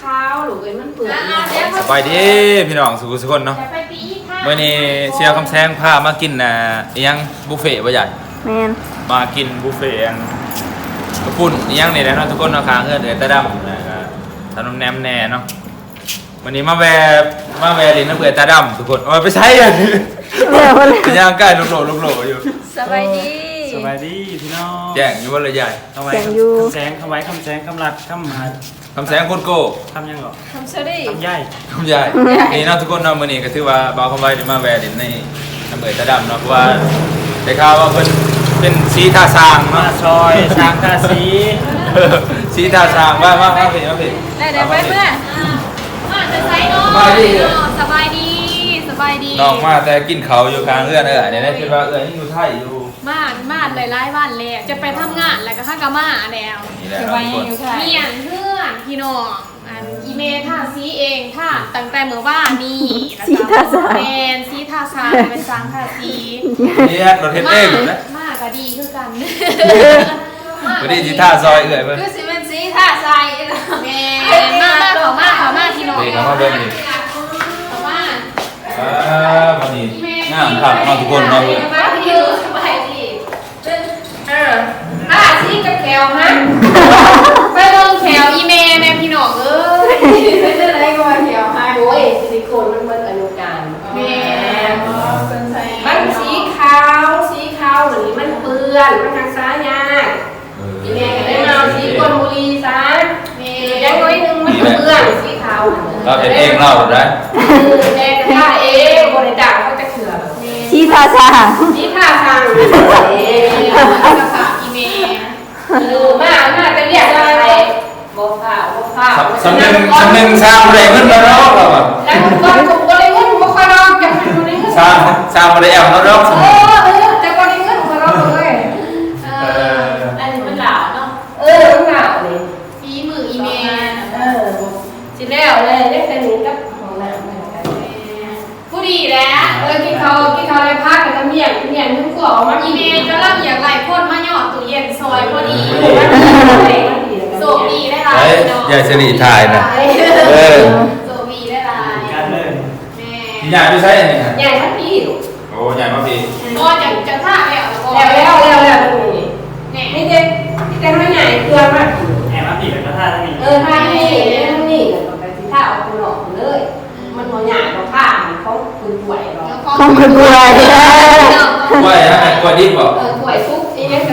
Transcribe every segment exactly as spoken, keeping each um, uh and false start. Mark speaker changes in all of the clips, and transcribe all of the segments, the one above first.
Speaker 1: ข้าวหรือเอ้ยมันเปื่อย
Speaker 2: สบายดีพี่น้องสุขสุขคนเนาะเมื่อนี้เชียร์คำแซงพามากินน่ะยังบุฟเฟ่ต์บ่ใหญ่
Speaker 3: แมน
Speaker 2: มากินบุฟเฟ่ต์อันกระปุ่นยังนี่แหละเนาะทุกคนเนาะค้างเฮือนเดือดตะดำนะทำน้ำแหนมแน่เนาะวันนี้มาแวะมาแวะลินน้ำเบื่อตาดำทุกคนเอาไปใช้อันนี้ยังใกล้ลุกโหลลุกโหลอยู่
Speaker 3: สบายดี
Speaker 4: สบายดีพี่น้อง
Speaker 2: แจ้งอยู่ว่าเลยใหญ่
Speaker 3: แจ้งอยู่
Speaker 4: คำแสงคำไว้คำแสงคำหลักคำหา
Speaker 2: คำแสงคนโก้
Speaker 4: คำยังหรอ
Speaker 3: คำเชอรี่
Speaker 4: คำใหญ่
Speaker 2: คำใหญ่นี่เนาะทุกคนเนาะมื่อนี้ก็ถือว่าบ่าวคำไว้ได้มาแวะลินในน้ำเบื่อตาดำเนาะเพราะว่าได้ข่าวว่าเป็นเป็นสีท่าสร้าง
Speaker 4: มา
Speaker 2: เนาะ
Speaker 4: ซอยสร้างท่าสี
Speaker 2: สีท่าสร้างว่าว่าว่าเป็นว่าเป็น
Speaker 3: ได้ได้ไปเพื่อน
Speaker 1: มาจะใช้เนาะสบายดีสบายดี
Speaker 2: น้องมาแต่กินเขาอยู่กลางเอื้อนเออเนี่ยได้คิดว่าเอื้อนยังอยู่ไทยอยู่
Speaker 1: มามาหลายๆวันแล้วจะไปทำงานแล้วก็ข้ากามาแล้ว
Speaker 2: จะไปยัง
Speaker 1: อยู่ไทยเมียนเพื่อนพี่น้องอันอีเมท่าซีเองท่าตั้งแต่เมื่อวานนี้
Speaker 3: ซีท่าสา
Speaker 1: แมนซีท่าซาเป็นสางท่าซี
Speaker 2: เนี่ยรถเทนเองนะ
Speaker 1: มากก็ดีคือกัน
Speaker 2: พอดีซีท่าซอยเอื้อนเพื่อน
Speaker 1: คือสิเป็นซีท่าซายแมนมากมากเขามากเขามากพี่น้อง
Speaker 2: เขามาเดินนี่
Speaker 1: เขามา
Speaker 2: อ่าวันนี้งามครับมาทุกคนเนาะ
Speaker 1: มาพี่สบายดีเออท่าซีกับแขวฮะไปลงแขวอีเมลในพี่น้องเอ้ยไม่ได้ไรก็มาแขวฮะโอ้ยซิลิโคนมันเหมือนอนุการแม่มันสีขาวสีขาวหรือมันเปื้อนมันทางซ้ายยากอีเมลก็ได้มาสีกลบุรีซะแม่ยังน้อยนึงมันเปื้อนสีขาว
Speaker 2: เราเห็นเองเราได้
Speaker 1: แม่ท่าเองบริจาคเขาจะเถื่อน
Speaker 3: ชี้ท่าสาง
Speaker 1: ชี้ท่าทางเองภาษาอีเมลดูมากมากจะเรียกอะไรบอกข่าวบอกข่าว
Speaker 2: สำเนึงสำเนึงสร้างอะไรขึ้นมาแล้วเราแบบ
Speaker 1: แล้วก่อนถูกอะไรเงินบุคคลเราจะเป็นอะไรเงิน
Speaker 2: สร้างสร้างอะไรแอบเราแล้ว
Speaker 1: เออเออแต่ก่อนเงินบุคคลเราเลยเอออันนี้มันหลาเนาะเออมันหลาเลยฝีมืออีเมลเออสิแล้วเลยได้แค่นี้กับของน้ำผู้ดีแล้วเออกินเขากินเขาเลยพักกับเมียนเมียนทุกขวออกมาอีเมลก็รับอย่างไรพ่นมาหยอดตู้เย็นซอยพอดีโซบีได้ไร
Speaker 2: อย่าเฉลี่ยทายนะเออ
Speaker 1: โซบีได้ไร
Speaker 4: กันเลย
Speaker 1: แม่
Speaker 2: ใหญ่ไม่ใช่ไหม
Speaker 1: ใหญ่ทั้งปีลูก
Speaker 2: โอ้ใหญ่มากพี่
Speaker 1: ก็อย่างจะท่าแล้วแล้วแล้วแล้วแล้วนี่นี่นี่เด็กนี่เด็กไม่ใหญ่เกลือมาก
Speaker 4: แอบมาปีกับท่าทั้งนี้
Speaker 1: เออท่านี่ท่านี่กับไปที่ท่าเอาคนหลอกเลยมันหัวใหญ่กว่าผ้าเขาคือป่วยหรอ
Speaker 3: เขาคือป่วย
Speaker 2: ป่วยฮะป่วยดิบป่ะ
Speaker 1: เออป่วยซุกอีเนี่ย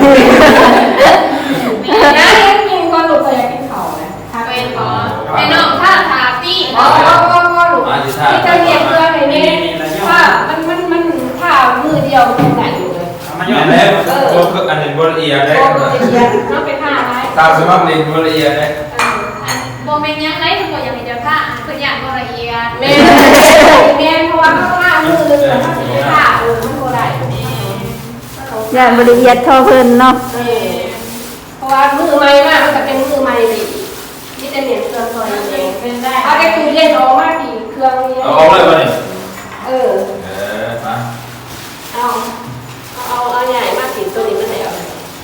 Speaker 1: นะกินก้อนหลุดไปกินเข่าเลยทาเป็นหมอไอ้น้องท่าทาตี้อ๋อก็ก็หลุดที่จะเรียนเพื่อไอ้นี่ว่ามันมันมันท่ามือเดียวเป็นไหนอยู่เลย
Speaker 2: มาหยอดแล้วตัวคืออันนี้บริเอียได้
Speaker 1: บริเอียน้องเป็นท่าอะไร
Speaker 2: ตามสมัครเรียนบริเอียได้
Speaker 1: โมเมนต์ยังไงทุกคนยังมีเจ้าท่าคืออย่างบริเอียเมนเมนเพราะว่าเขาท่ามือเลยแต่ถ้าเป็นท่าเออมันโคได้
Speaker 3: อย่างบริเอียดเท่าเพิ่นเนาะ
Speaker 1: เพราะว่ามือไม้มากมันจะเป็นมือไม้ดีนี่จะเหนียวเครื่องตัวเองเป็นได้เอาไปคือเรียนออกมากดีเครื่องนี้
Speaker 2: เอาออกเลยป่ะนี่
Speaker 1: เออ
Speaker 2: เออมา
Speaker 1: เอาเอาเอาใหญ่มากดีตัวนี้มันไหนเอา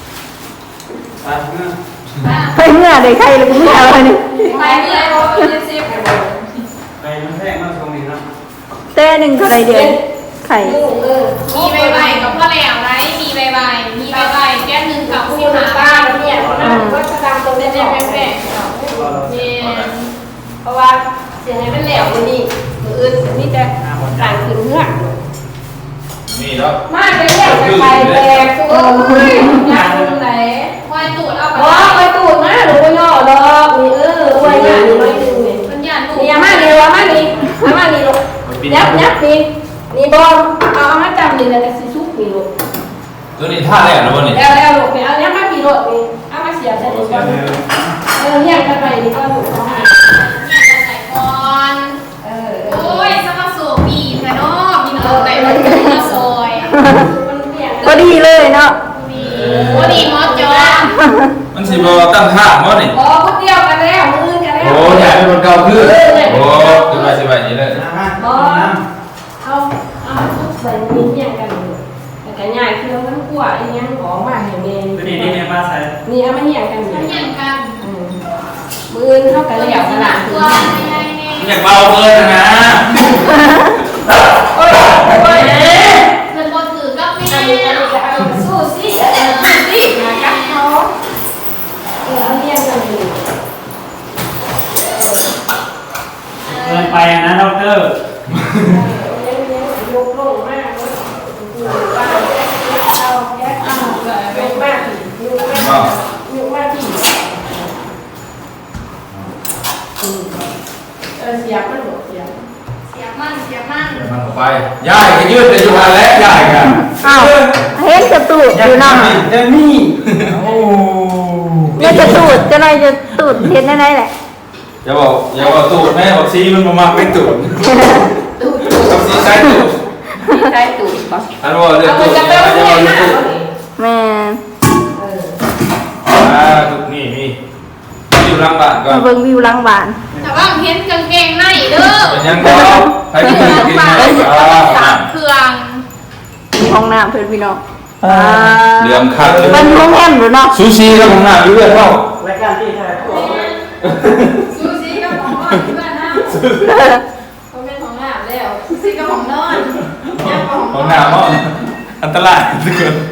Speaker 3: ไปเมื่อใดใครเลยไม่เอาเลย
Speaker 1: ไปเมื่อเพราะเป็นซีฟ
Speaker 4: ไปมันแพงมากตรงนี้ครับ
Speaker 3: เต้หนึ่งเท่าไรเดียวไข่
Speaker 1: มีใบใบกับพ่อแหลวไรมีใบใบมีใบใบแก้มหนึ่งกับผู้หาบ้านเนี่ยก็จะตามตรงนี้ได้แม่แม่เพราะว่าเสียงให้มันแหลวมันนี่มืออื่นนี่จะต่างถึงเมื่อ
Speaker 2: มีแล้ว
Speaker 1: มาจะเรียกไปแตกโอ้ยงานตรงไหนควายตูดเอาไปอ๋อควายตูดมาหรือว่าย่อดอกมีเออควายงานน้อยนึงเนี่ยมันยันตูดนี่มาเนี่ยว่ามานี่มานี่ลูกยับยับนี่นี่บอลเอาเอามาจำนี่เลยจะซุกนี่ลูก
Speaker 2: ตัวนี้ท่าแรกนะวันนี้
Speaker 1: แล้วแล้วลูกเนี่ยเอาเนี้ยมาปีรถนี่เอามาเสียบใส่นี่ก่อนเออเนี่ยกันไปนี่ก็ลูกเอาให้เนี่ยกันใส่ก่อนเออโอ้ยสมาโซบีแค่นอมีน้องแต่มันมาซอย
Speaker 3: ก็ดีเลยเนาะ
Speaker 1: โอ้ดีมอสจอ
Speaker 2: มันสิบตั้งท่ามอสนี่
Speaker 1: อ๋อคนเดียวกันแล้วมือกันแล้ว
Speaker 2: โอ้ใหญ่เป็นคนเก่าขึ้นโอ้ขึ้นมาสิบแบบนี้เลย
Speaker 1: อ๋อเอาเอาทุกใส่นิ้วเนี่ยกันแต่กันใหญ่คือมันกลัวไอ้ยังของมาเห็นเอง
Speaker 4: ตัวนี้นี่เนี่ยมาใส่
Speaker 1: นี่เอามาเหี่ยงกัน
Speaker 4: เหี่
Speaker 1: ยงกันมือเท่ากันเลยอย่างขนาดตัว
Speaker 2: อยากเบาเกินนะ
Speaker 1: โอ้ยโอ้ยเงินบนถือก็มีสู้สิสู้สินะกับเขาเออเอาเรียนกันอยู่
Speaker 4: เกินไปนะดอกเตอร์
Speaker 1: ยกลงมากเลยป้าเอาแค่เอายกมากยกมากยกมากที่เออเสียบมันหมดเสียบเสียบมันเสียบมัน
Speaker 2: มันออกไปย่ายก็ยืดแต่อยู่หันแล้วย่ายกัน
Speaker 3: อ้าวเห็นกระตูดอยู่เนาะ
Speaker 4: เดมี่โอ้
Speaker 3: เนี่ยกระตูดจะไรจะตูดเห็นได้ไหนแหละ
Speaker 2: อย่าบอกอย่าบอกตูดแม่บอกซีมันมามาเป็นตูดกับซีใช้ตูด
Speaker 1: ใช่ตูดปะ
Speaker 2: อันว่าเรื่องตูดอย่าบอกเรื่องตูด
Speaker 3: แม่
Speaker 2: อ่าตูดนี่นี่อยู่หลังบ้านก่อน
Speaker 3: มาเบิ่งวิวหลังบ้าน
Speaker 1: แต่ว่าเห็นกางเกงในเด้อ
Speaker 2: เป็นยังไงใครกินกินไหมอ่า
Speaker 1: เครื่อง
Speaker 3: มีห้องน้ำเพื่อนพี่น้อง
Speaker 2: เรื่องคัด
Speaker 3: มันโรงแรมหรือเนาะ
Speaker 2: ซูชิแล้วผมหน้าอยู่เรื่อยเท่าร
Speaker 4: ายการที่ไทย
Speaker 1: ซูซี่ก็ของนอนที่บ้านนะเขาเป็นของหน้าแล้วซูซี่ก็ของนอนยังของ
Speaker 2: ของหน้ามั้งอันตรายทุกคน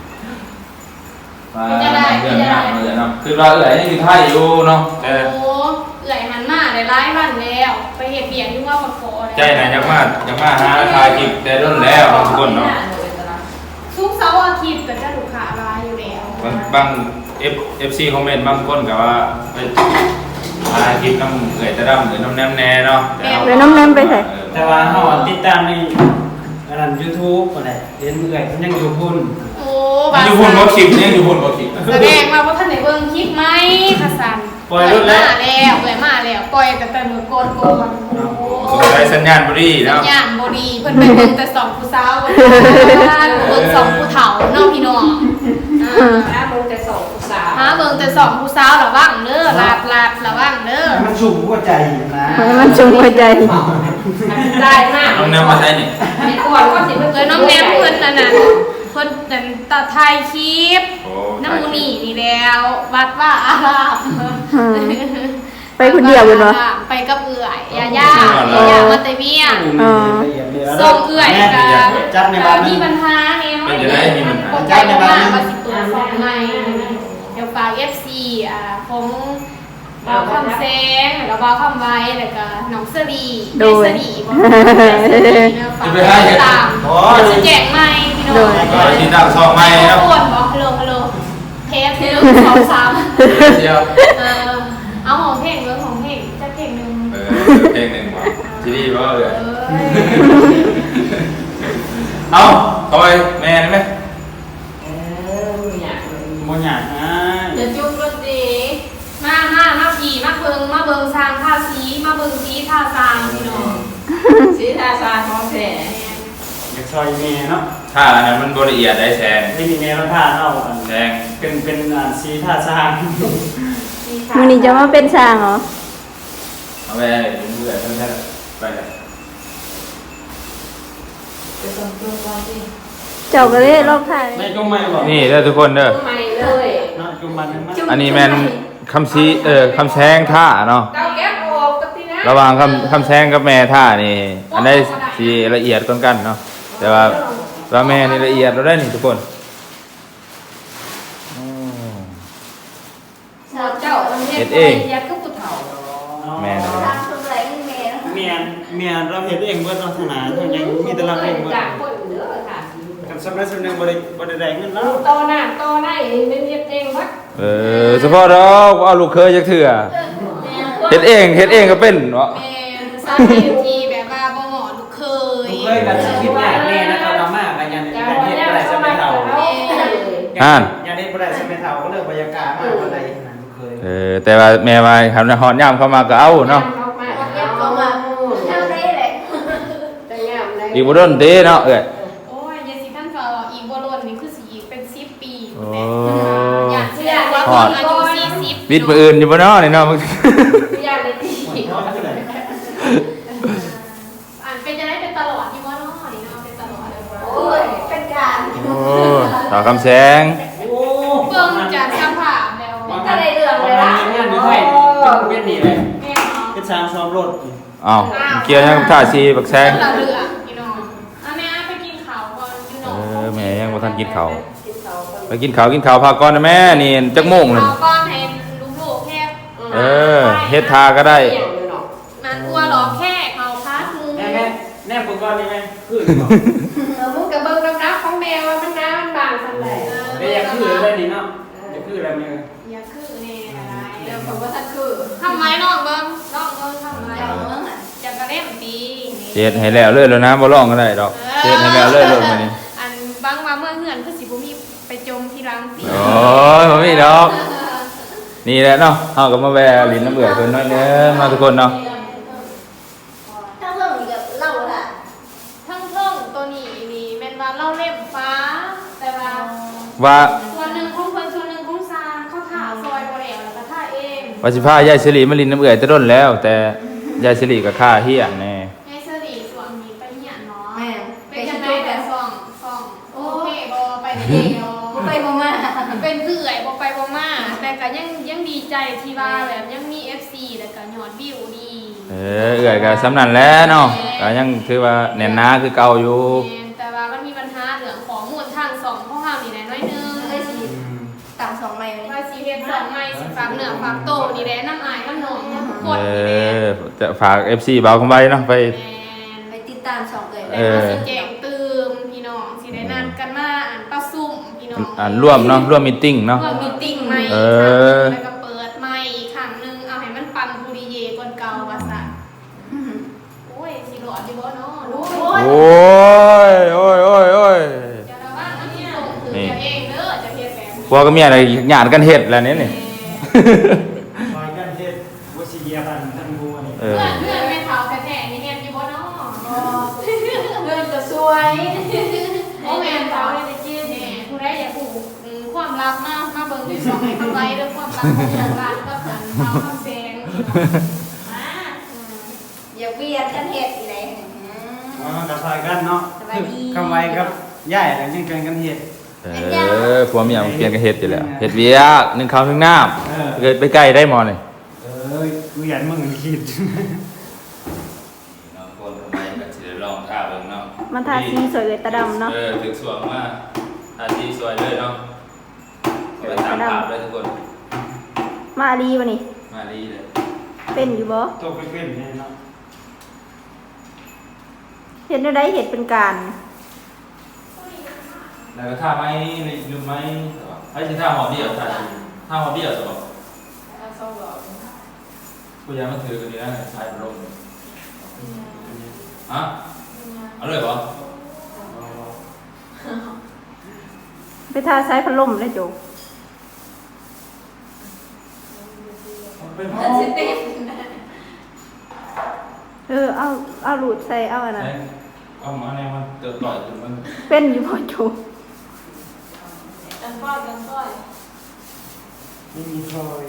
Speaker 2: มาเรื่องหน้าเลยเนาะคือเราเอ๋ยนี่คือไทยอยู่เนาะแต่
Speaker 1: โอ้เอื่อยหันมาได้ร้ายวันแล้วไปเห็ดเบียงที่ว่ามาขอ
Speaker 2: ใจไหนยังมายังมาหาทายกิบแต่รุ่นแล้วทุกคนเนาะ
Speaker 1: ทุกเสาร์อาทิตย์ก็จะถูกขาร้ายอยู่แล้ว
Speaker 2: บางบางเอฟเอฟซีคอมเมนต์บางคนกับว่าไปหาคลิปน้ำเอ๋ยจะดำหรือน้ำแนมแน่เนาะ
Speaker 3: เดี๋ยวน้ำแนมไปใส่
Speaker 4: แต่ว่าเขาติดตามในอันนั้นยูทูบอะไรเห็นเอื่อยมันยังอยู่พุ่น
Speaker 1: โอ้
Speaker 2: มันอยู่บนบอคลิปเนี่ยอยู่บนบอคลิป
Speaker 1: แสดงว่าว่าท่านไหนเบิ่งคลิปไหมขสันมาแล้วเอื่อยมาแล้วปล่อยแต่แต่มือโกนโกนโอ้โห
Speaker 2: สงสัยสัญญาณบรี
Speaker 1: สั
Speaker 2: แล้
Speaker 1: ญ
Speaker 2: ว
Speaker 1: ญาณบดีเพิ่นไปเบิ่งแต่สองผู้สาวเบิ่งสองผู้เฒ่าเน้องพี่น้องอ่าหาเบิ่งแต่สองผู้สาวหาเบิ่งแต่สองผู้สาวระวังเด้อลาบลาบระวังเด้อ
Speaker 4: มันชุ่มหัวใจนะ
Speaker 3: ให้มันชุ่มหัวใจ
Speaker 1: ได้มาก
Speaker 2: น้ำแนมมาใช่นี่
Speaker 1: ไม่ก่อนก็สิเพิ่นเลยน้องแนมเพิ่นนั่นน่ะเพิ่นนั่นตาไทยคลิป
Speaker 2: โอ้
Speaker 1: น้ำมูนี่นี่แล้ววัดว่าอาราม
Speaker 3: ไปคนเดียวเลยเนาะ
Speaker 1: ไปกับเอื่อยยาย่าย่าย่ามาเตเมีย ส่งเอื่อยกับ
Speaker 4: จัดในบ้าน
Speaker 1: มีปัญหาเนี่ย
Speaker 2: เป็นจะได้มีปัญหา
Speaker 1: คนใจมากมาสิตัวสองใหม่เดี๋ยวฝาก เอฟ ซี อ่าของบ่าวคำแซงแล้วบ่าวคำไว้แล้วก็น้องเสรีเสรีบ่ฝากติดตามจะแจกใหม่พี่น้อง
Speaker 2: ก็ที่ดักซองไม่
Speaker 1: ฮัล
Speaker 2: แล้ว
Speaker 1: โหลฮัลโหลฮัลโหลเทปหนึ่งสองสาม
Speaker 2: เดียว
Speaker 1: เออเอาของเพลงเรื่องของเพลงจะเพลงหนึ่ง
Speaker 2: เออเพลงหนึ่งว่ะทีนี้ว่าเออ
Speaker 1: เออ
Speaker 2: เอาต่อยแม่ได้ไหม
Speaker 4: โมหยาดนะ
Speaker 1: เดี๋ยวจุ๊บรถดีมามามาผีมาเบิงมาเบิงซางท่าสีมาเบิงสีท่าซางพี่น้อง
Speaker 5: สีทาซาของแท้
Speaker 4: อยากซอยเมย์เนาะ
Speaker 2: ถ้าอันนั้นมันบริเอียดได้แซง
Speaker 4: ที่มีเมย์มาท่าเนาะ
Speaker 2: แซง
Speaker 4: เป็นเป็นอ่าสีท่าซาง
Speaker 3: มันนี่จะมาเป็นช่างเหรอ
Speaker 2: เอาไปถึงเบื่อเท่านั้นไปเลย
Speaker 5: จะส่งตัวก่อนสิ
Speaker 3: เจ้าก็เลยรอบถ่าย
Speaker 4: ไม่จุ่มไม่บอก
Speaker 2: นี่เด้อทุกคนเด้อ
Speaker 5: ใหม่เลย
Speaker 4: เนาะจุ่มมันมัน
Speaker 2: อันนี้แมนคำซีเออคำแซงท่าเนาะ
Speaker 1: เก้าแก๊ปออกกับที่นะ
Speaker 2: ระหว่างคำคำแซงกับแม่ท่านี่ อันได้สีละเอียดกันกันเนาะแต่ว่าว่าแม่นี่ละเอียดเราได้นี่ทุกคน
Speaker 1: สาวเจ้ายัดก็ผู้เฒ่า
Speaker 2: แม่นะ
Speaker 4: เมียนเมียนเราเห็นเองเบิดเราถนัดทั้งยังมีแต่เราเองเบิด
Speaker 5: จากคนเด้อค่ะ
Speaker 4: กันสำหรับส่วนหนึ่งบริบริแดงเงินแล้ว
Speaker 1: โตหน้าโตหน้าเป็นเฮ็ดเองวัด
Speaker 2: เออเฉพาะเราเอาลูกเคยจักเถื่อเฮ็ดเองเฮ็ดเองก็เป็นเนาะ
Speaker 1: แม่สามีทีแบบว่าบ่เหมาะลูกเคย
Speaker 4: เคยกันคิดง่ายแม่นะครับเรามากกันยันยันเฮ็ดอะไรสมัยเฒ่า
Speaker 2: อ่าน
Speaker 4: ยันเฮ็ดอะไรสมัยเฒ่าก็เลิกบรรยากาศมากอะไรนั่นเคย
Speaker 2: เออแต่ว่าแม่ว่าทำฮอดยามเข้ามาก็เอาเนาะ
Speaker 5: ก็มาเท่านี้แหละจะงามเลย
Speaker 2: อีกบ่โดนเด้เนาะเอ้ย
Speaker 1: โอ้ยยายสิท่านก็อีกบ่ล้นนี่คือสิอีกเป็นสิบปี
Speaker 2: โอ้
Speaker 1: อยากเชื่อว่าคนอายุสี่สิบ
Speaker 2: วิทย์มื้ออื่นอยู่บ่เนาะนี่เนาะ
Speaker 5: ยากเลยที่
Speaker 1: อ่านเป็นจะได้เป็นตลอดอยู่ว่าเนาะนี่เนาะเป็นตลอดเลย
Speaker 5: โอ้ยเป็นการ
Speaker 2: โอ้สาวคำแสง
Speaker 4: โอ้
Speaker 1: เบิ่งจากสภาพแล้ว
Speaker 5: ถ้าได้เรื่องเลย
Speaker 4: วั
Speaker 5: ล่ะ
Speaker 4: นนี้งานอยู่ไทยเป็นนี่แหละ
Speaker 1: แม่เนาะ
Speaker 4: เป็นช้างซ้อมรถนี่
Speaker 2: อ้าวเกียร์ยังท่าซีบักแซง
Speaker 1: เรือเรือพี่น้องอ่ะแม่ไปกินข้าวก่อนพี่น้
Speaker 2: เอ
Speaker 1: อง
Speaker 2: อแม่ยังบ่ทันกินข้าว
Speaker 5: กินเขาก่อน
Speaker 2: ไปกินข้าวกินข้าวพักก่อนนะแม่นี่จักโมงเลย
Speaker 1: ข้าวก้อนให้ลูกๆแค่
Speaker 2: เออเฮ็ดทาก็ได้
Speaker 5: เกี่ยงอยู่เนาะ
Speaker 1: มันกลัวหรอแค่เขาพัดมือ
Speaker 4: แม่แม่แนบกูก่อนนี่แม่คือบ่
Speaker 5: เออมึงกับเบิ้งน้ำน้ำของแมวว่ามันน้ำมันบางสันไหน
Speaker 4: ไม่อยากคือเลยนี่เนาะอยากคืออะไรมึง
Speaker 1: อย่าคือแน่อะไร
Speaker 5: เดี๋ยวผมว่าถ้าคือ
Speaker 1: ทำไมน้องเบิ้งน้องเบิ้งทำไมน้องเบิ้งอ่ะจะกระเล่มปี
Speaker 2: เฮ็ดให้แล้วเลยแล้วนะบ่ร้องก็ได้ดอกเฮ็ดให้แล้วเลยเลยมื้อนี้
Speaker 1: อันบางมาเมื่อเหือนคือสิบุมีไปจมที่รังปี
Speaker 2: โอ้ยบ่มีดอก นี่แหละเนาะเฮาก็มาแวะลิ้นน้ำเบื่อเพิ่นน้อยเนึงมาทุกคนเนาะ
Speaker 5: ถ้าเพิ่มอีกกับเหล่าละ
Speaker 1: ทั้งเทิงตัวนี้นี่แม่นว่าเล่าเล่มฟ้า แต่ว่า
Speaker 2: ว่า
Speaker 1: ส่วนหนึ่งของเพิ่นส่วนหนึ่งของซางเขาถ่าซอยบ่แล้วแล้วก็ถ่าเอง
Speaker 2: ว่าสิพายายสิริมาลิ้นน้ำเบื่อแต่ต้นแล้ว แต่ยายสิริก็ค่าเฮียแน่
Speaker 1: ให้เสรีส่วนนี้ไปเหียนเนาะ
Speaker 5: แม่
Speaker 1: เป็นจังได๋แต่ซ่องซ่องโอเคบ่ไปเดียว
Speaker 5: ไปบ่มา
Speaker 1: เป็นคือเอื่อยบ่ไปบ่มาแต่ก็ยังยังดีใจที่ว่าแบบยังมี เอฟ ซี แล้วก็ยอดวิวดี
Speaker 2: เออเอื้อยก็สำนันแหล้วเนาะก็ยังถือว่าแน่นหนาคือเก่าอยู่
Speaker 1: แม่นแต่ว่ามันมีปัญหาเรื่องของมูลทางสองของเฮานี่แหละน้อยหนึง
Speaker 5: เลยสิต่างสองไม้วันนี้
Speaker 1: ว่าสิเฮ็ดสองใหม่สิฝากเนื้อฝากโตนี่แหละน้ำอายน้ำหนองทุกคน
Speaker 2: เอ
Speaker 1: นี่แหละ
Speaker 2: อจะฝาก เอฟ ซี เบาคำไว้เนาะไป
Speaker 1: แม่น
Speaker 5: ไปติดตามสองเลย
Speaker 1: แล้วก็สิแจ้งเตืมพี่น้องสิได้นัดกันมาอ่านประชุมพี่น้อง
Speaker 2: อ่านร่วมเนาะร่วมมีตติ้งเนาะ
Speaker 1: ร่วมมีตติ้งใหม่
Speaker 2: เอ
Speaker 1: อีกครั้งห
Speaker 2: อ
Speaker 1: นึ่งแล้วก็เปิดใหม่อีกครั้งหนึงเอาให้มันปังบุริเยกว่าเก่าว่าซะโอ้ยสิหลอดอยู่บ่เนาะโอ้ย
Speaker 2: โอ้ยโอ้ยโอ้ยโอ้ย
Speaker 1: เดี๋ยวเราว่ามันสิส่งถึงจะเองเด้อจะเฮ็ดแบบนี้
Speaker 2: พวกก็มีอะไรหยาดกันเฮ็ดแล้วเนี่ยนี่
Speaker 4: คอยกันเทศวชิเยียบันท่านผู้อันนี้
Speaker 2: เอ
Speaker 1: เพื่
Speaker 2: อ
Speaker 1: อนเพื่อนแม่เฒ่าแท้ๆนี่เฮ็ดอยู่บ่เนาะ
Speaker 5: เงินจะสวย
Speaker 1: โอ้แม่เฒ่าได้ไปกินนี่ผู้ใดอยากรู้อืมความลับมามาเบิ่งที่สองให้เข้าไว้เด้อความลับของทางร้านก็เพิ่นเฒ่าคำแสงมาอืม
Speaker 5: อย่าเวียนกันเห็ดอีไร
Speaker 4: อ๋อกระซอยกันเนาะ
Speaker 5: สบายดี
Speaker 4: คำไว้ครับย่ายแล้วยังเกินกันเหตุ
Speaker 2: เออพวกเมียมันเปลี่ยนกันเฮ็ดอยู่แล้วเฮ็ดเวียกหนึ่งข้าวหนึ่งน้
Speaker 4: เออ
Speaker 2: ำเกิดไปใกล้ได้หมอนี่
Speaker 4: เออกูอยากมึงคิด
Speaker 2: น้องคนทำไมก็สิได้ลองท่าเบิ่งเนาะ
Speaker 3: มันทาสีสวยเลยตาดำเนาะ
Speaker 2: เออถึงสวงมาท่าสีสวยเลยเนาะไปตามภาพเลยทุกคน
Speaker 3: มาดีวะนี่
Speaker 2: มาดีเลย
Speaker 3: เป็นอยู่บ่
Speaker 4: ตัวเป็นๆเนี่ยเนาะ
Speaker 3: เห็นได้เห็ดเป็นการ
Speaker 2: แล้วก็ท่าไม้ลืมไม้ไอ้ที่ท่าหอเบี้ยวท่าสีท่าหอเบี้ยวจะบอก
Speaker 1: เอาส่งดอก
Speaker 2: กูยังมาถือกันดีนะชายลมฮะเอาเลยเหรอ
Speaker 3: ไปทาใช้พัดลมเลยโจ
Speaker 2: เป็น
Speaker 1: มันสิติด
Speaker 3: เออเอาเอาหลุดใส่เอาอันนั้น
Speaker 2: เอามาเนี่ยมันเติร์ดต่อยจนมัน
Speaker 3: เป็นอยู่บ่โจ
Speaker 1: กันป้อยกันป้อย
Speaker 4: ไม่มีซอย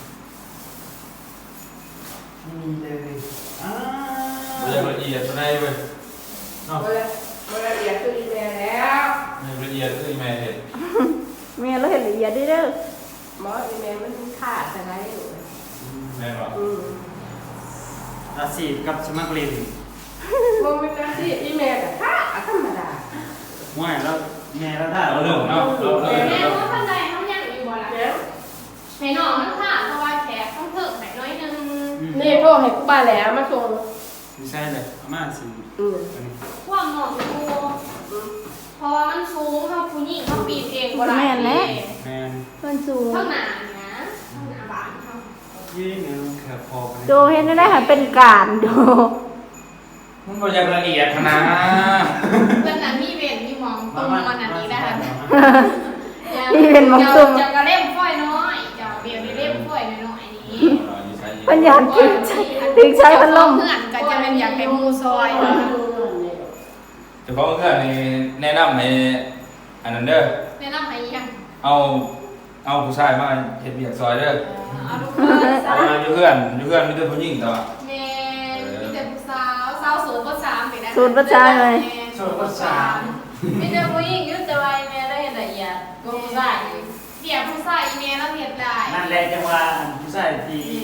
Speaker 4: ไม่มีเลยอ้า
Speaker 2: ไม่อยากละเอียดตัวไหนเว้ยเนาะ
Speaker 5: เวลาเรียนคือดีแล้ว
Speaker 2: ไม่ละเอียดคือแม่เห็น
Speaker 3: แม่เราเห็นละเอียดเด้อเด้อ
Speaker 5: หมออีเมลมันขาดอะไรอยู่
Speaker 2: แม่บอก
Speaker 5: อืม
Speaker 4: ราศีกับสมัครเรียน
Speaker 5: มึงเป็นนักที่อีเมลกับขาดธรรมดา
Speaker 4: ห่วยแล้วแม่แล้วถ้า
Speaker 2: เราเริ่มเนาะเราเริ่ม
Speaker 1: แม่
Speaker 2: เนาะ
Speaker 1: ว่าท่านใดเขายังอยู่บ่ล่ะ
Speaker 5: แล้ว
Speaker 1: ให้น้องมันค่ะเพราะว่าแขกต้องเพิ่มหน่อยน้อยนึง
Speaker 5: นี่โทรให้กูป้าแล้วมาส่ง
Speaker 4: ไม่ใช่เลยอาม่าสิ
Speaker 5: อืม
Speaker 4: อันนี้
Speaker 1: ความหมองกูเพราะว่ามันสูงเขาผู้หญิงเขาปีนเองบ่ได้
Speaker 4: แม่น
Speaker 3: มันสูง
Speaker 1: เท่าหนานี่นะเท่าหนาบานเขา
Speaker 4: ยี่เนี่ยแค่พอกัน
Speaker 3: โจเห็นได้ค่ะเป็นการโจ
Speaker 2: มันก็ยังละเอียดขนาด
Speaker 1: เพื่อนนั้นมีเว้นมีหมองตรงมันอันนี้นะคะ
Speaker 3: นี่เป็นหมองตุ่ม
Speaker 1: จะกระเล่มฝ้อยน้อยจะเบียร์ไปเล่มฝ้อยน้อยๆนี้
Speaker 3: ปัญญาถึงใช้ถึงใช้พัดลม
Speaker 1: เพื่อนก็จะเป็นอยากให้มูซอย
Speaker 2: แต่เพราะเพื่อนนี่แนะนำให้อันนั้นเด้อ
Speaker 1: แนะนำให้ยัง
Speaker 2: เอาเอาผู้ชายมาเฮ็ดเบียกซอยเด้อ
Speaker 1: เอาลูกเพื่อน
Speaker 2: เอามาอยู่เพื่อนอยู่เพื่อนมีแต่ผู้หญิงแต่ว่า
Speaker 1: แม่มีแต่ผู้สาวสาวสูงก็สามไปนะ
Speaker 3: สูตรประจานเลย
Speaker 4: โซนภาษา
Speaker 1: มีแต่ผู้หญิงอยู่แต่ว่าแม่ได้เห็นละเอียดก็ผู้ชายเบียร์ผู้ชายอีเมลแล้วเห็นได้
Speaker 4: นั่นแหละจังหวะผู้ชายที่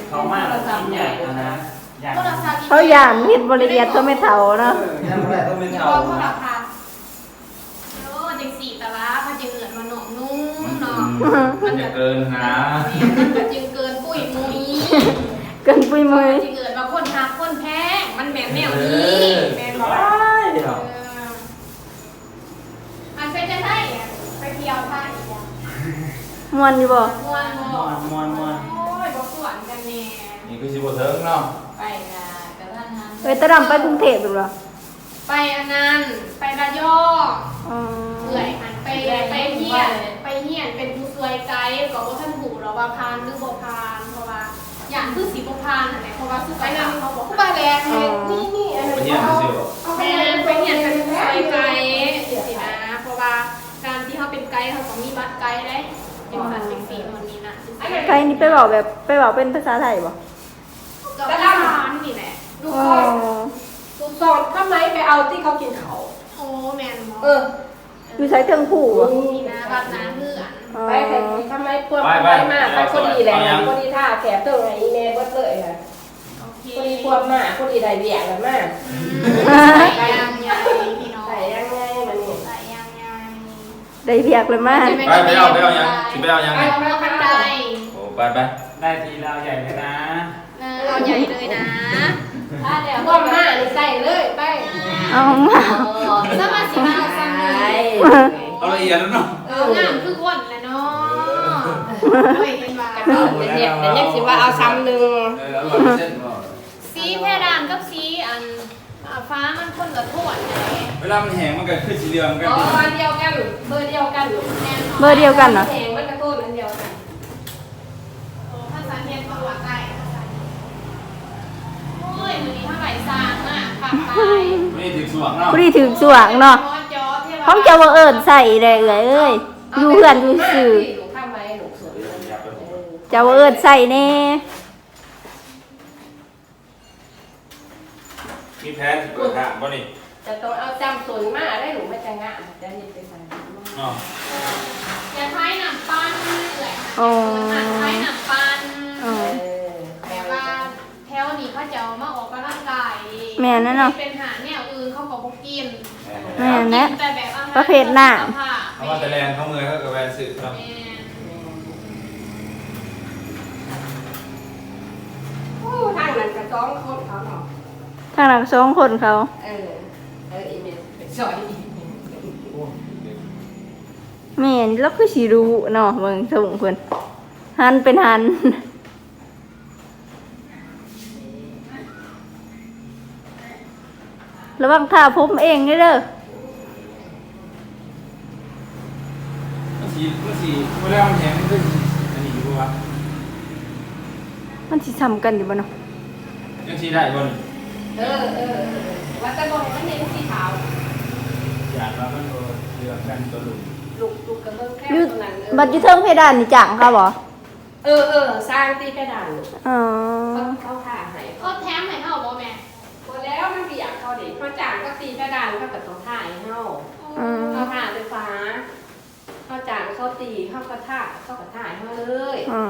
Speaker 4: เขามากชิ้นใหญ่นะใหญ่
Speaker 1: โทรศัพท์
Speaker 3: เขาย่านเฮ็ดบ่ละเอียดก็ไม่เท่าเนาะ
Speaker 4: ย่างแรกต้องเป็น
Speaker 1: อย่า
Speaker 4: เท่า
Speaker 1: บอกโทรศัพท์โอ้จังสี่ตะละมันจะเกิดมาหนองนุ่มเนาะ
Speaker 2: มันจะเกินหา
Speaker 1: มันก็จึงเกินปุ้ยมุ้ย
Speaker 3: เกินปุยมือ
Speaker 1: จะเกิดมาคนหักคนแพงมันแม่นแนวนี้แม่นบ่ล่ะ
Speaker 4: เดี๋ยว
Speaker 1: เอออันเป็นจะได้อะไปเที่ยวไทยอ่ะ
Speaker 3: ม่วนอยู่บ่
Speaker 1: ม่วนบ่
Speaker 4: มวนมวนมวน
Speaker 1: โอ้ยบ่สวนกันแน่
Speaker 2: นี่คือสิบเทิงเนาะ
Speaker 1: ไปนะกะท่านนั้น
Speaker 3: เอ้ยตะดำไปกรุงเทพอยู่บ่
Speaker 1: ไปอันนั้นไประยอง
Speaker 3: อ๋อ
Speaker 1: เอื่อยหันไปไปเฮียนไปเฮียนเป็นผู้ช่วยไกด์ก็บ่ทันถูกหรอกว่าพานหรือบ่พานเพราะว่าอย่างคือสิบ่พานนั่นแหละเพราะว่าสุขภาพเขาบอกผู้บาแลนนี่นี่อัน
Speaker 2: ไป
Speaker 1: นี้
Speaker 2: เยี่ยม
Speaker 1: เขา
Speaker 2: สิบ
Speaker 1: เอาไปเรียนไปเรียนเป็นผู้ช่วยไกด์สินะเพราะว่าการที่เขาเป็นไกด์เขาต้องมีบัตรไกด์ได้จังซั่นจังซี่มันนี่นะ
Speaker 3: ใครนี่ไปเว้าแบบไปเว้าเป็นภาษาไทยบ่
Speaker 1: ก็พานนี่แหละ
Speaker 5: ดู
Speaker 3: อ๋อ
Speaker 5: ก่อนดูสอนทำไมไปเอาที่เขากินเขา
Speaker 1: โอ้แม่นบ่
Speaker 5: เออ
Speaker 3: อยู่ไสเทิงผู้บ่
Speaker 1: นี่นะบัตรนาเพื่อน
Speaker 3: อ๋อ
Speaker 5: ไปแต่ทำไมพวกไปมากไปคนดีแหละคนดีท่าแขกตัวไงอีเมลก็เลยค่ะ
Speaker 1: โอเค
Speaker 5: คนดีควบมากคนดีได้เบียกกันมาก
Speaker 1: ใส่ยางใหญ่พี่น้อง
Speaker 5: ใส่ยังไงมันนี่
Speaker 1: ใส่ยางใหญ่
Speaker 3: ได้เพียกเลยมา
Speaker 2: ไปไปเอาไปเอายังสิไปเอายัง
Speaker 1: ไป
Speaker 2: ไง
Speaker 1: เอาบันได
Speaker 2: โอ้ไปไป
Speaker 4: ได้ทีเราใหญ่เลยนะ
Speaker 1: เออเอาใหญ่เลยนะ
Speaker 5: ถ้าเดี๋ยวควบมากนี่ใส่เลยไป
Speaker 3: เอามา
Speaker 1: สมาสิมาสั่งเลย
Speaker 2: เอาละเอียดแล้วเนาะ
Speaker 1: เอองามคือคนแหละเนาะไม่เห็นว่า
Speaker 5: เนี่ยแต่ยังสิว่าเอาซ้ำหนึ่ง
Speaker 2: เออเอาละเส้นบ่
Speaker 1: สีเพดานกับสีอันอ่าฟ้ามันคนละโทนไง
Speaker 2: เวลามันแห้งมันก็ขึ้นสีเหลืองกัน
Speaker 5: อ๋ออันเดียวกันเบอร์เดียวกัน
Speaker 1: แน่นอน
Speaker 3: เบอร์เดียวกันเหรอ
Speaker 5: แหงมันกระตุ้นอันเดียวกัน
Speaker 1: โอ้ภาษาเทียนของหลักไก่ภาษาเทียนโอ้ยมือนี้เท่าไหร่ซางอ่ะปากตาย
Speaker 2: ไม่ได้ถึงสว่างเนาะ
Speaker 3: ผู้ที่ถึงสว่างเนาะของเจ้าบ่เอิ้นใส่ได้เอ้ยเอ้ยอยู่เพื่อนอยู่ซื่อ
Speaker 5: หนูข้ามไว้หนูสวย
Speaker 3: เจ้าบ่เอิ้นใส่แน่
Speaker 2: มีแพ้เปิดทางบ่นี่
Speaker 5: จะต้องเอาจำส่วนมากได้หนูไม่จะงะจะนี่ไปใส่
Speaker 2: เนาะ
Speaker 1: อย่าใช้หนังปั้นเลย
Speaker 3: อ๋อ
Speaker 1: ใช้หนังปั้น
Speaker 3: อ๋อ
Speaker 1: แต่ว่าแถวนี้เขาจะเอามาออกกำลังกาย
Speaker 3: แม่นนั่นเนาะ
Speaker 1: เป็นหาแนวอื่นเขาก็บ่กิน
Speaker 3: แม่นแนะ
Speaker 1: แต่แบบอาหาร
Speaker 3: ประเภทหน้า
Speaker 1: สุขภพ
Speaker 2: เขาว่าแต่แรงเขามือเขากับแวนสื่อครับ
Speaker 1: แม่น
Speaker 5: โอ้ทางนั้นกระจ้องคนเขาเนาะ
Speaker 3: ทางนั้นสองคนเขา
Speaker 5: เออเอออีเมลไปสอยอี
Speaker 3: แม่นแล้วคือสิรู้เนาะเบิ่งส่งเพิ่นหันเป็นหันระวังท่าผมเองเด้อเด้อ
Speaker 2: มันสีมันสีเวลามันแห้งมันก็อันนี้อยู่ปะวะ
Speaker 3: มันสิซ้ำกันอยู่บ่เนาะ
Speaker 2: ยังสีได้บ่นี่
Speaker 5: เออเออว่าแต่บอกมันเห็นสีขาว
Speaker 2: อย่างว่ามันตัวเหลืองกันตัวลุง
Speaker 5: ลูกลูกกระเบื้องแค่
Speaker 3: อยู่
Speaker 5: ตรงนั้น
Speaker 3: บัดอยู่เทิงเพดานนี่จังเขาบ่
Speaker 5: เออเออสร้างตีกระดาน
Speaker 3: อ๋อ
Speaker 5: เขาเขาถ่าให้
Speaker 1: เขาแถมให้เฮาบ่แม่
Speaker 5: พอแล้วมันเบียกเขาดิเขาจางก็ตีกระดานเขากับต้องถ่ายให้เขา
Speaker 3: อืม
Speaker 5: เขาถ่าไฟฟ้าเขาจางเขาตีเขาก็ถ่าเขาก็ถ่ายเขาเลย
Speaker 3: อ๋อ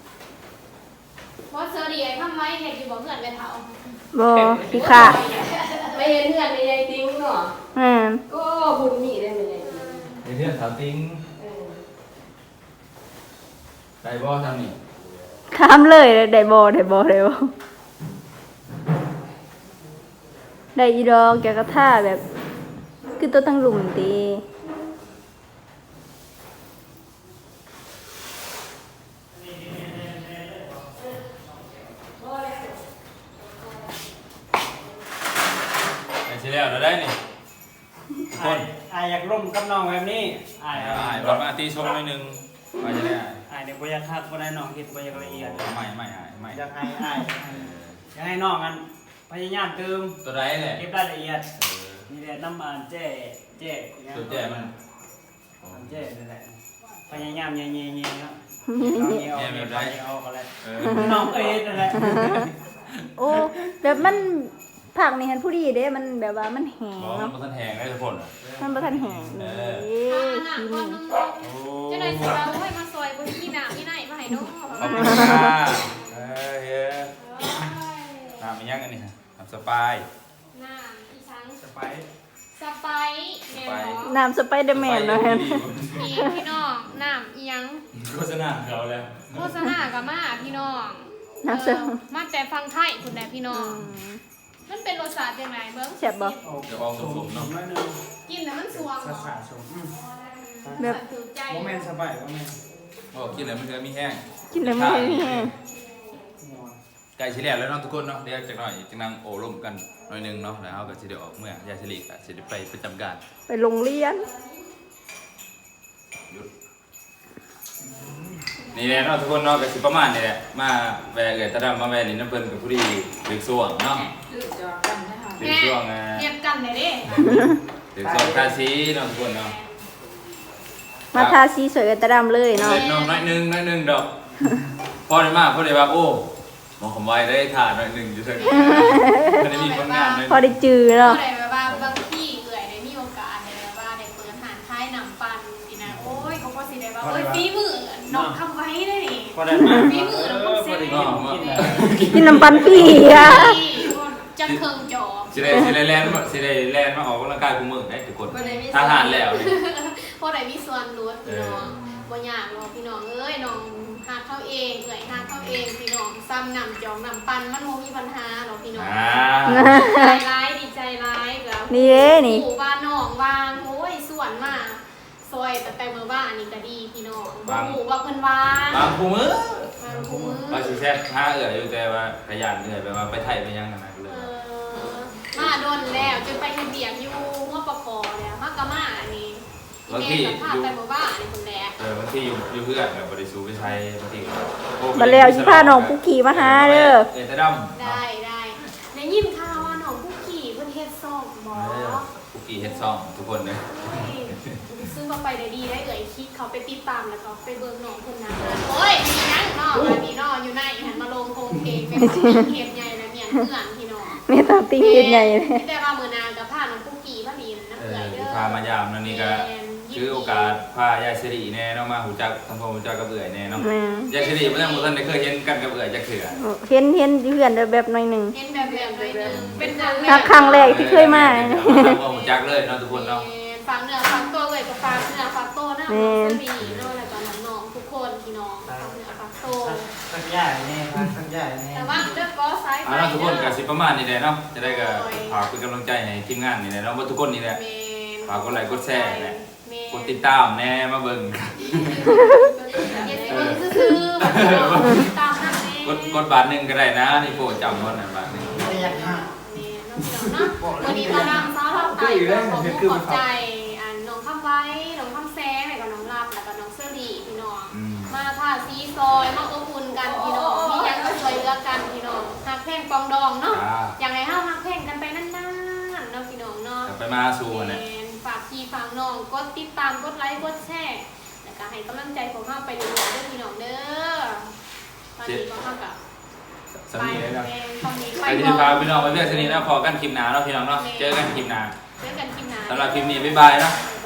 Speaker 1: บ่เซอร์ดีไอ้ทำไว้เฮ็ดอยู่บ่เพื่อนไปเฒ่า
Speaker 3: บ่สิค่ะ
Speaker 5: ไม่เห็นเพื่อนไม่ยายติ้งเนาะ
Speaker 3: แม่น
Speaker 5: ก็บุญมีได้ไม่ยายติ้ง
Speaker 2: ไอ้เรื่องสาวติ้ง
Speaker 5: เออ
Speaker 2: ได้บ่ทำนี่
Speaker 3: ถามเลยได้บ่ได้บ่ได้บ่ได้อีดอกแกก็ท่าแบบ คือตัวทั้งหลุมติ
Speaker 2: ไอ้เสียแล้วเราได้นี่ทุกค
Speaker 4: ไอ้
Speaker 2: น
Speaker 4: ไอ้อยากร่วมกับน้องแบบนี้ไอ้
Speaker 2: ไอ้ไอ้บอลมาตีชมหน่อยหนึงว่าจะได้ไอ้
Speaker 4: ไอ้เดี๋ยวบอยากคัดบ่ได้น้องคิดบอยากละเอียด
Speaker 2: ไม่ไม่ไอ้ไม่
Speaker 4: อยากให้ไอ้อยากให้น้องกันพยายามเติม
Speaker 2: ตัวไรแหละ
Speaker 4: เก็บรายละเอียดนี่แหละน้ำมันเจ๊เจ๊
Speaker 2: ตัวแจ่มัน
Speaker 4: มันเจ๊นั่นแหละพยายามเงี้ยๆๆเนาะเอาเงี้ยเอาเงี้ยเอาเงี้ยเอาก็แล้ว
Speaker 2: เออ
Speaker 4: น้องเอ็ดนั่นแหละ
Speaker 3: โอ้แบบมันผักนี่หันผู้ดีเด้มันแบบว่ามันแห้ง
Speaker 2: บอกมัน
Speaker 3: เนาะ
Speaker 2: บ่ทันแห้งได้ทุกคนอ่ะ
Speaker 3: มันบ่ทันแห้งเลย
Speaker 1: ถ้าอันน่ะ
Speaker 3: กิน
Speaker 1: ก่อนนึง
Speaker 2: โอ้
Speaker 1: จะได้สิว่าโอ้ยมาซอยบ่มีน้ำมีไหนมาให้น้อง
Speaker 2: ขอบคุณค่ะเออเฮ้ยยังอันนี้ฮะน้ำสปาย
Speaker 1: น้ำอีช้าง
Speaker 4: สไปซ์
Speaker 1: สไปซ์แม่นบ่
Speaker 3: น้ำสไปเดอร์แมนเลย
Speaker 1: มีพี่น้องน้ำอีหยัง
Speaker 2: โฆษณาเขาแล้ว
Speaker 1: โฆษณากับมาพี่น้อง
Speaker 3: น้ำส
Speaker 1: เออมาแต่ฟังไทยคุณแม่พี่น้อง มันเป็นรสชาติยังไงเบิ้ง
Speaker 3: แซ่บบ่
Speaker 2: เดี๋ยวออกสมๆเนาะ
Speaker 4: น้อยนึง
Speaker 1: กินแล้วมันสวง
Speaker 4: สาสาชม
Speaker 3: แบบ
Speaker 1: ถือใจ
Speaker 4: โมเมนต์สบายโมเมนต์
Speaker 2: โอ้กินแล้วมันจะมีแห้ง
Speaker 3: กินแล้วไม่ให้แห้ง
Speaker 2: ไก่เฉลี่ยแล้วเนาะทุกคนเนาะเดี๋ยวจากหน่อยจังนั่งโอ้ร่มกันหน่อยหนึงเนาะแล้วเราก็สิได้ออกเมื่อยายเฉลี่ยก็สิได้ไปประจำการ
Speaker 3: ไปโรงเรียน
Speaker 2: หยุดนี่แหละเนาะทุกคนเนาะก็สิประมาณนี้แหละมาแวะเกิดตะดำมาแวะลิ้นน้ำเพิ่นกับผู้ดีดึกส่วงเนาะดึกส่วงอ่ะ
Speaker 1: เรียบกันเลยเด้
Speaker 2: ดึกส่วงทาสีเนาะทุกคนเนาะ
Speaker 3: มาทาสีสวยกันตะดำเลยเนาะ
Speaker 2: เล็กน้อยน้อยหนึงน้อยหนึงดอกพอได้มากพอได้ว่าโอ้มองคำไว้ได้ทานน้อยหนึงอยู่เท่านี้มันได้มีผลงานน้อยห
Speaker 3: พอ
Speaker 2: นึ่ง
Speaker 3: ได้จือ
Speaker 1: ก็
Speaker 3: เนาะ
Speaker 1: เลยแบบว่าบางที่เอื่อยได้มีโอกาสได้แบบว่าได้เปิดหานท้ายหนำปันสินะโอ้ยเขาก็สิได้ว่าโอ้ยฝีมือน้องทำไว้ได้นี่
Speaker 4: พอได้มา
Speaker 1: ฝีมือน้องต้องเซ็ต
Speaker 2: เนาะ
Speaker 3: กินน้ำปันปีอ่ะ
Speaker 1: จะเคิงจอบ
Speaker 2: สิได้สิได้แลนด์สิได้แลนด์มาออกกำลังกายกูมือได้ทุกคนทหารแล้วนี่
Speaker 1: เพราะได้มีส่วนลดพี่น้องบ่ยากหรอกพี่น้องเอ้ยน้องหาเข้าเองเอื่อยหาเข้าเองพี่น้องซ้ำนำจองนำปันมันบ่มีปัญหาหรอกพี่น้อง
Speaker 2: อ่า
Speaker 1: ใจร้ายดีใจร้ายกับ
Speaker 3: นี่เด้นี่
Speaker 1: หมู่บ้านน้องวางโอ้ยส่วนมากซอยแต่แต่เมื่อบ้านนี่ก็ดีพี่น้องบ่หมู่ว่าเพิ่นวาง
Speaker 2: บางกูมือบ
Speaker 1: างคู่มือ
Speaker 2: ว่าสิแซ่บห้าเอื้อยอยู่แต่ว่าขยันเอื้อยไปว่าไปไทยไปยังกันนะก็เล
Speaker 1: เอย อมาโดนแล้วจนไปเฮ็ดเบียกอยู่หัวปะกอแล้วมากะมาอันนี้อีเมลสัมภาษณ์แต่เมื่อบ้านนี่คนแรก
Speaker 2: เออบางทีอยู่อยู่เพื่อนแบบบริสุทธิ์ไปใช้บางทีก็โอ้
Speaker 3: มาแล้วสิพาน้องปุกกี้มาหาเด้อ
Speaker 2: เอตะดำ
Speaker 1: ได้ได้ได้ยินข่าวว่าน้องผู้ขี่เพิ่นเฮ็ดซ่องบ่
Speaker 2: เออปุกกี้เฮ็ดซองทุกคนเลย
Speaker 1: ซึ่งมาไปได้ดีได้เอ่ยคลิกเขาไปติดตามแล้วก็ไปเบิ่งน้องคนนั้นโอ้ยมีนังเนาะอันนี้เนาะอยู่ในหันมาลงโครงเพลงเป็นเฮ็ดใหญ่แล้วเนี่ยเพื่อนพี่น้อง
Speaker 3: แม่ตามติ้งเฮ็ดใหญ่เลย
Speaker 1: แต่ว่ามื้อนากับพาน้องผู้ขี่พาดีน้ำ
Speaker 2: เอ
Speaker 1: เอื่
Speaker 2: อ
Speaker 1: อยเด้อ
Speaker 2: พามายามนั่นนี่ก็คือโอกาสพายายสิริแน่เนาะมาหูจักทำความหูจักกับเอื้อยแน่เนาะ
Speaker 3: แม่
Speaker 2: ยายสิริบ่ทันบ่ทันได้เคยเห็นกันกับเอื้อยจักเทื่อ
Speaker 3: เห็นเห็นเพื่อนแบบหน่อยหนึง
Speaker 1: เห็นแบบแบบหน่อยนึงเป็นครั้งแร
Speaker 3: ถ้าก ครั้งแรกที่เคยมา
Speaker 2: ทำความหูจักเลยเนาะทุกคนเนาะ
Speaker 1: ฟังเนื้อฟังตัวเลยก็ฟังเนื้อฟังตัวนะน้องสวีเนาะแล้วก็น้องๆทุกคนพี่น้องฟังเนื้อฟังตัว
Speaker 4: สักใหญ่แน่ครับสักใหญ่แน่
Speaker 1: แต่ว่าเลือกก็ซ้าย
Speaker 2: เอาล่ะทุกคนก็สิประมาณนี้แหละเนาะจะได้ก็ฝากเป็นกำลังใจให้ทีมงานนี่แหละเนาะว่าทุกคนนี่แหละ ฝากกดไลค์กดแชร์แหละ กดติดตามแน่มาเบิ่ง
Speaker 1: เย็นเบิ่งซื่อๆแบบติดตามนั่นเอง
Speaker 2: กดกดบาทหนึงก็ได้นะนี่โปรดจำก่อนนะบาทหนึง
Speaker 4: ไม่อยากหัก
Speaker 1: วันนี้มาดามซ้าเราไปก็ขอบคุณขอบใจอ่าน้องคำไว้น้องคำแซงแล้วก็น้องรับแล้วก็น้องเสื้อดีพี่น้อง
Speaker 2: อืม
Speaker 1: มาท่าซีซอยมาอบอุ่นกันพี่น้องมียังก็ช่วยเหลือกันพี่น้องหักแพงปองดองเนาะ
Speaker 2: จ้า
Speaker 1: อย่างไรห้าหักแพงกันไปนานๆเนาะพี่น้องเนาะ
Speaker 2: จะไปมาสู่กันเนี่ย
Speaker 1: ฝากพี่ฝากน้องกดติดตามกดไลค์กดแชร์แล้วก็ให้กำลังใจของเราไปเรื่อยๆด้วยพี่น้องเด้อตอนนี้ก็เท่ากับ
Speaker 2: สำนีเลยนะ
Speaker 1: ตอนนี้ไป
Speaker 2: ใครที่พาพี่น้องไปเพื่อนสนิทนะพอกันคลิปหนาเนาะพี่น้องเนาะ เจอกันคลิปหนา
Speaker 1: เจอกันคลิปหน้า
Speaker 2: สำหรับคลิปนี้บ๊ายบายเนาะ
Speaker 1: บ